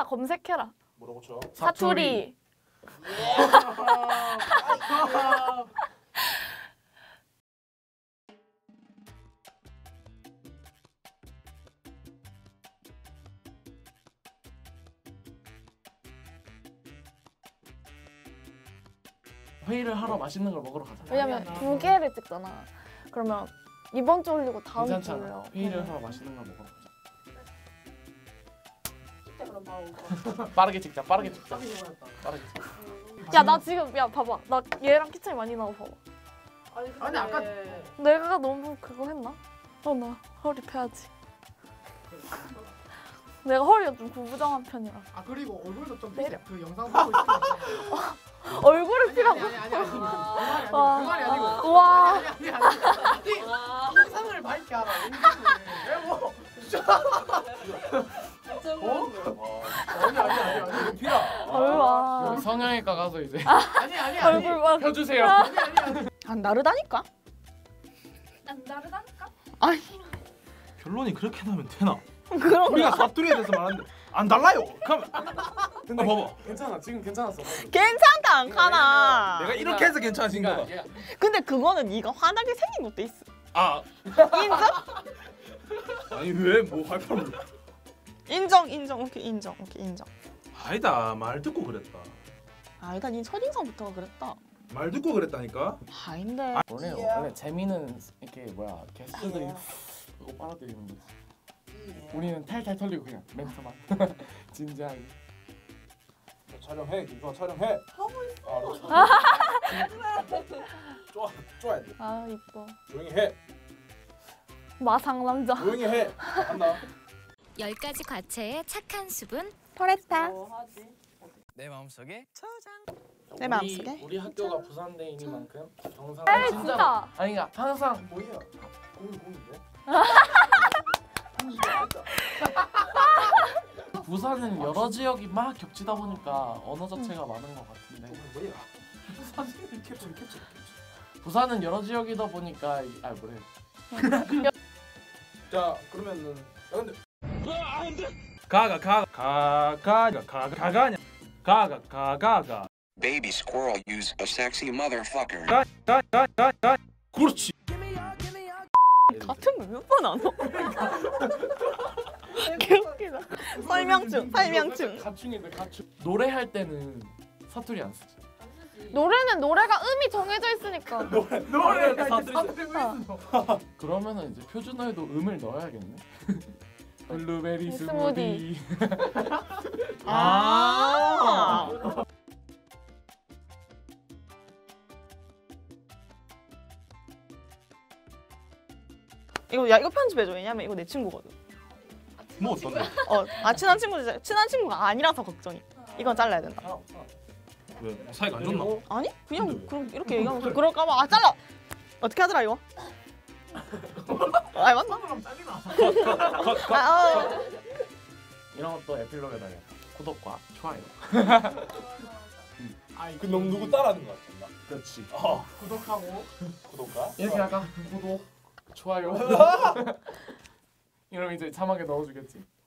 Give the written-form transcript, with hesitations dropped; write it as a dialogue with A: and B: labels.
A: 검색해라.
B: 뭐라고 쳐?
A: 사투리.
C: 회의를 하러 맛있는 걸 먹으러 가자.
A: 왜냐면 2개를 찍잖아. 그러면 이번 주 올리고 다음 주
C: 괜찮잖아.
A: 올려.
C: 회의를 하러 맛있는 걸 먹으러 가자.
D: 그럼 바로
C: 빠르게 찍자. 빠르게 찍자. 빠르게 찍자.
A: 야 나 지금 야 봐봐. 나 얘랑 키 차이 많이 나고 봐봐.
D: 아니 아까
A: 내가 너무 그거 했나? 나 허리 펴야지. 내가 허리가 좀 구부정한 편이라.
D: 아 그리고 얼굴도 좀
A: 내려.
D: 그 영상 보고 있으니까
A: 얼굴을 피라고?
D: 아니 그
A: 와.
D: 말이 아니고
A: 와.
D: 아니 영상을 밝게 하라 왜뭐 아니
B: 피라.
A: 얼마.
C: 여기 성형외과 가서 이제
D: 아니
A: 얼굴 막.
C: 펴주세요.
E: 안 다르다니까?
A: 안 다르다니까?
E: 아니
B: 결론이 그렇게 나면 되나?
E: 그럼
B: 우리가 사투리에 대해서 말하는데 안 달라요. 그럼
C: 근데
B: 봐봐.
C: 괜찮아. 지금 괜찮았어.
E: 괜찮다 안 카나.
B: 내가 이렇게 해서 괜찮아진 거다.
E: 근데 그거는 네가 환하게 생긴 것도 있어.
B: 아
E: 인정?
B: 아니 왜 뭐 할 뻔?
E: 인정. 오케이 인정.
B: 아니다 말 듣고 그랬다.
E: 아니다 니 첫인상부터가 그랬다.
B: 말 듣고 그랬다니까.
E: 아닌데.
C: 원래 재미는 이렇게 뭐야 게스트들이 이거 빨아들이는 거지. 우리는 탈탈 털리고 그냥 멘트만 진지하게.
B: 촬영해 김수아 촬영해.
D: 하고 있어.
B: 쪼아야 돼.
A: 아 이뻐.
B: 조용히 해.
A: 마상 남자.
B: 조용히 해. 한다.
F: 10가지 과체의 착한 수분
E: 포레스타.
G: 내 마음속에
E: 내 마음속에.
C: 우리 학교가 부산대이니만큼 경상
A: 에이 진짜.
C: 아니 그러니까 항상
B: 뭐야? 공인데?
C: 부산은 여러 지역이 막 겹치다 보니까 언어 자체가 많은 것 같은데
B: 뭐야? 사진 캡처.
C: 부산은 여러 지역이다 보니까 뭐래
B: 자 그러면은 야 근데 가가
H: Baby squirrel use a sexy motherfucker.
B: 그렇지.
E: 같은 거 몇 번 안 와? 개웃기다. 설명충.
C: 가충인데 가충. 노래할 때는 사투리 안 쓰지.
A: 노래는 노래가 음이 정해져 있으니까.
B: 노래
C: 그러면은 이제 표준어에도 음을 넣어야겠네. 블루베리
A: 스무디.
C: 스무디.
E: 아. 이거 편집해줘. 왜냐면 이거 내 친구거든.
B: 뭐 어떤데?
E: 친한 친구가 아니라서 걱정이. 이건 잘라야 된다.
B: 왜 사이가 안 좋나?
E: 아니 그냥
B: 근데 왜?
E: 그럼 이렇게 얘기하면 그럴까봐 잘라. 어떻게 하더라 이거? 아 맞나?
C: 이런 것도 에필로그에다가 구독과 좋아요.
B: 그 너무 누구 따라하는 거 같나?
C: 그렇지.
D: 구독하고
B: 구독과
C: 이렇게 할까? 구독, 좋아요. 이러면 이제 자막에 넣어주겠지.